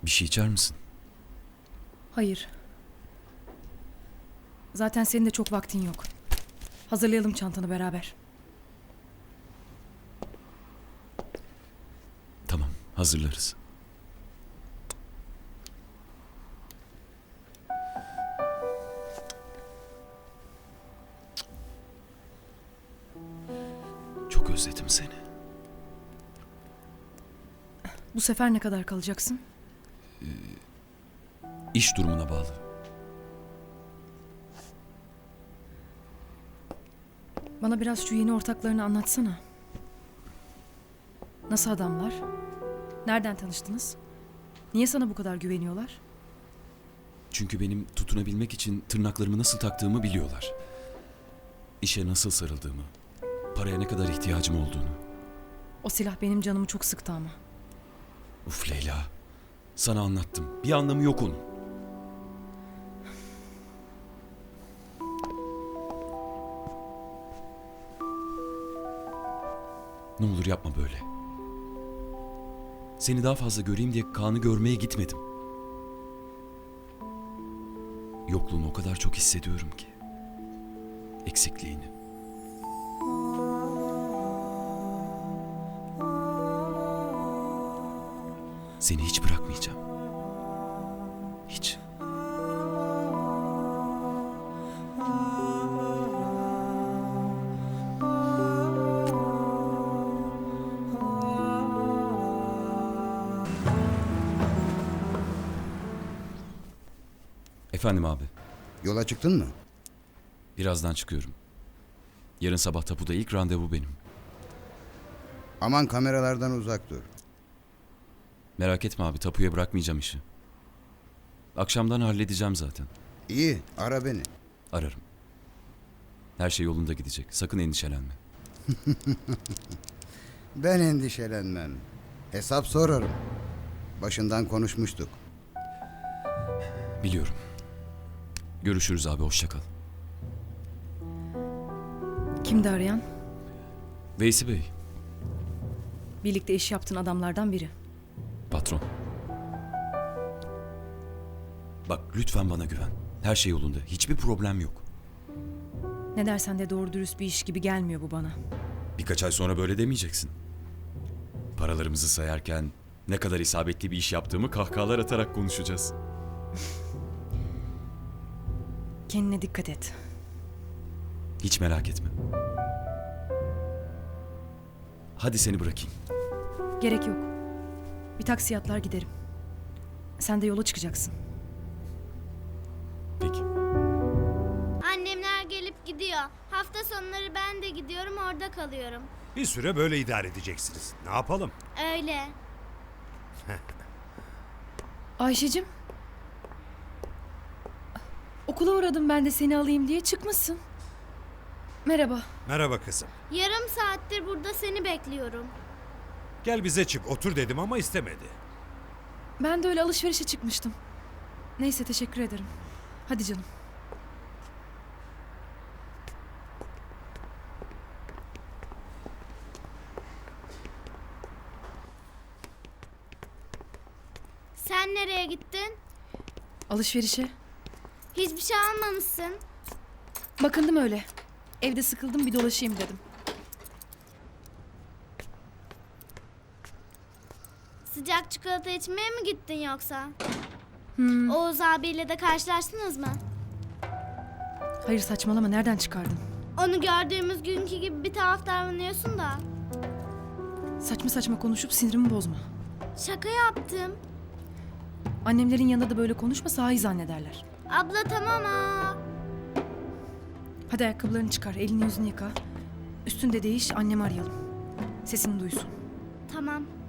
Bir şey içer misin? Hayır. Zaten senin de çok vaktin yok. Hazırlayalım çantanı beraber. Tamam, hazırlarız. Çok özledim seni. Bu sefer ne kadar kalacaksın? İş durumuna bağlı. Bana biraz şu yeni ortaklarını anlatsana. Nasıl adamlar? Nereden tanıştınız? Niye sana bu kadar güveniyorlar? Çünkü benim tutunabilmek için tırnaklarımı nasıl taktığımı biliyorlar. İşe nasıl sarıldığımı, paraya ne kadar ihtiyacım olduğunu. O silah benim canımı çok sıktı ama. Uf Leyla, sana anlattım. Bir anlamı yok onun. Ne olur yapma böyle. Seni daha fazla göreyim diye Kaan'ı görmeye gitmedim. Yokluğunu o kadar çok hissediyorum ki. Eksikliğini. Seni hiç bırakmayacağım. Hiç. Efendim abi, Yola çıktın mı? birazdan çıkıyorum. Yarın sabah tapuda ilk randevu benim. Aman kameralardan uzak dur. Merak etme abi, tapuya bırakmayacağım işi. Akşamdan halledeceğim zaten. İyi, ara beni. Ararım. Her şey yolunda gidecek. Sakın endişelenme. Ben endişelenmem. Hesap sorarım. Başından konuşmuştuk. Biliyorum. Görüşürüz abi, hoşça kal. Kimdi arayan? Veysi Bey, Birlikte iş yaptığın adamlardan biri. patron. Bak lütfen bana güven. Her şey yolunda. Hiçbir problem yok. Ne dersen de doğru dürüst bir iş gibi gelmiyor bu bana. Birkaç ay sonra böyle demeyeceksin. Paralarımızı sayarken ne kadar isabetli bir iş yaptığımı kahkahalar atarak konuşacağız. Kendine dikkat et. Hiç merak etme. Hadi seni bırakayım. Gerek yok. Bir taksi atlar giderim. Sen de yola çıkacaksın. Peki. Annemler gelip gidiyor. Hafta sonları ben de gidiyorum, orada kalıyorum. Bir süre böyle idare edeceksiniz. Ne yapalım? Öyle. Ayşe'cim. Okula uğradım ben de seni alayım diye çıkmışsın. Merhaba. Merhaba kızım. Yarım saattir burada seni bekliyorum. Gel bize çık otur dedim ama istemedi. Ben de öyle alışverişe çıkmıştım. Neyse teşekkür ederim. Hadi canım. Sen nereye gittin? Alışverişe. Hiçbir şey almamışsın. Bakındım öyle. Evde sıkıldım bir dolaşayım dedim. Sıcak çikolata içmeye mi gittin yoksa? Oğuz abiyle de karşılaştınız mı? Hayır saçmalama nereden çıkardın? Onu gördüğümüz günkü gibi bir tuhaf davranıyorsun da. Saçma saçma konuşup sinirimi bozma. Şaka yaptım. Annemlerin yanında da böyle konuşma sahi zannederler. Abla tamam ha. Hadi ayakkabılarını çıkar, elini yüzünü yıka. Üstünde değiş, annemi arayalım. Sesini duysun. Tamam.